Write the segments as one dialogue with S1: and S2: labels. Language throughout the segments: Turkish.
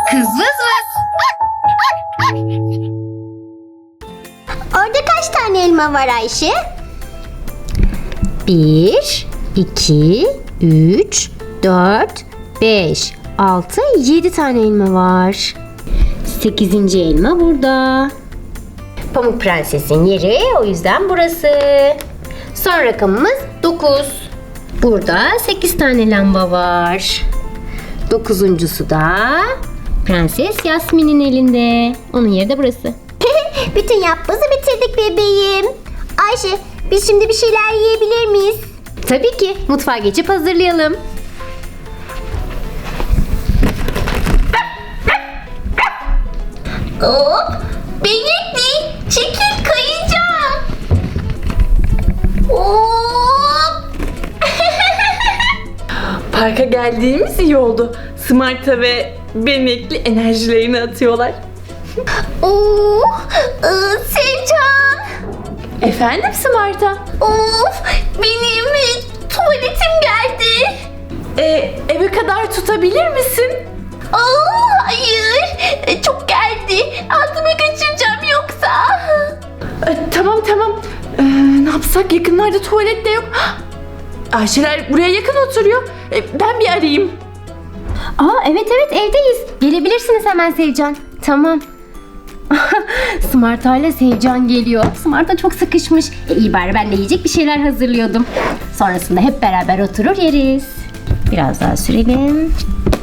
S1: Kız vız vız.
S2: Orada kaç tane elma var Ayşe?
S3: 1, 2, 3, 4, 5, 6, 7 tane elma var. 8. elma burada. Pamuk Prenses'in yeri o yüzden burası. Son rakamımız 9. Burada 8 tane lamba var. 9'uncusu da Prenses Yasmin'in elinde. Onun yeri de burası.
S2: Bütün yapbozu bitirdik bebeğim. Ayşe, biz şimdi bir şeyler yiyebilir miyiz?
S3: Tabii ki. Mutfağa geçip hazırlayalım.
S2: Hop! Benekli, çekil kayacağım. Hop!
S4: Parka geldiğimiz iyi oldu. Smart'a ve Benekli enerjilerini atıyorlar.
S2: Sevcan.
S4: Efendim Smart'a?
S2: Of! Benim tuvaletim geldi.
S4: Eve kadar tutabilir misin?
S2: Hayır. Çok geldi. Altıma kaçıracağım yoksa.
S4: Tamam. Ne yapsak? Yakınlarda tuvalet de yok. Ayşeler buraya yakın oturuyor. Ben bir arayayım.
S3: Evet evdeyiz. Gelebilirsiniz hemen Sevcan. Tamam. Smart'a ile Sevcan geliyor. Smart'a çok sıkışmış. İyi bari ben de yiyecek bir şeyler hazırlıyordum. Sonrasında hep beraber oturur yeriz. Biraz daha sürelim.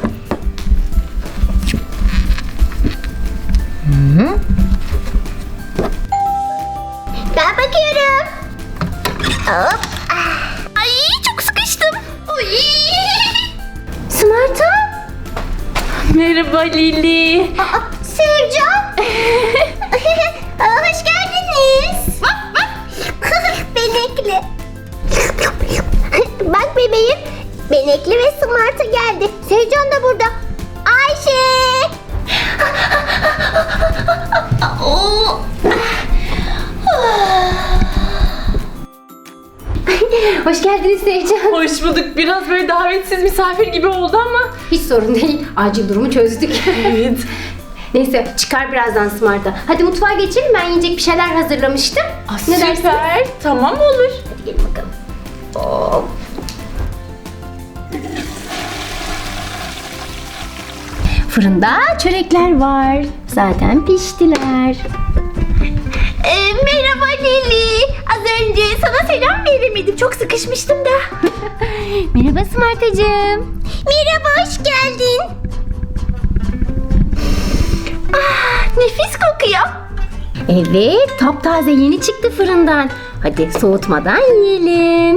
S2: Ben bakıyorum. Hop. Ay çok sıkıştım. Uy.
S3: Smart'a?
S4: Merhaba Lili.
S2: Sevcan. Hoş geldiniz. Benekli. Bak bebeğim. Benekli ve Smart'a geldi. Sevcan da burada. Ayşe.
S3: Hoş geldiniz Sevcan.
S4: Hoş bulduk. Biraz böyle davetsiz misafir gibi oldu ama.
S3: Hiç sorun değil. Acil durumu çözdük.
S4: Evet.
S3: Neyse çıkar birazdan Smart'a. Hadi mutfağa geçelim. Ben yiyecek bir şeyler hazırlamıştım. Ne dersin?
S4: Süper. Tamam olur.
S3: Hadi gelin bakalım. Hop. Fırında çörekler var. Zaten piştiler.
S2: Merhaba Lili. Az önce sana selam veremedim. Çok sıkışmıştım da.
S3: Merhaba Smart'cığım.
S2: Merhaba, hoş geldin. Nefis kokuyor.
S3: Evet, taptaze yeni çıktı fırından. Hadi soğutmadan yiyelim.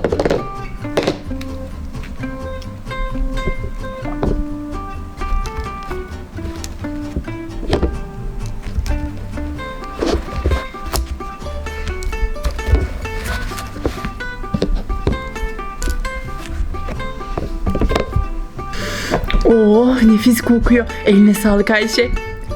S4: Oh nefis kokuyor. Eline sağlık Ayşe.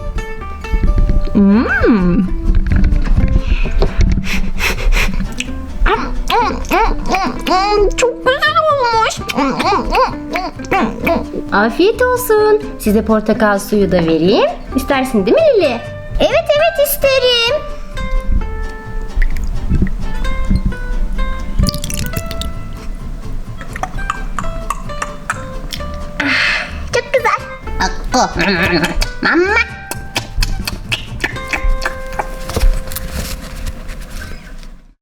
S2: Çok güzel olmuş.
S3: Afiyet olsun. Size portakal suyu da vereyim. İstersin değil mi Lili?
S2: Evet isterim. Çok güzel. Mama.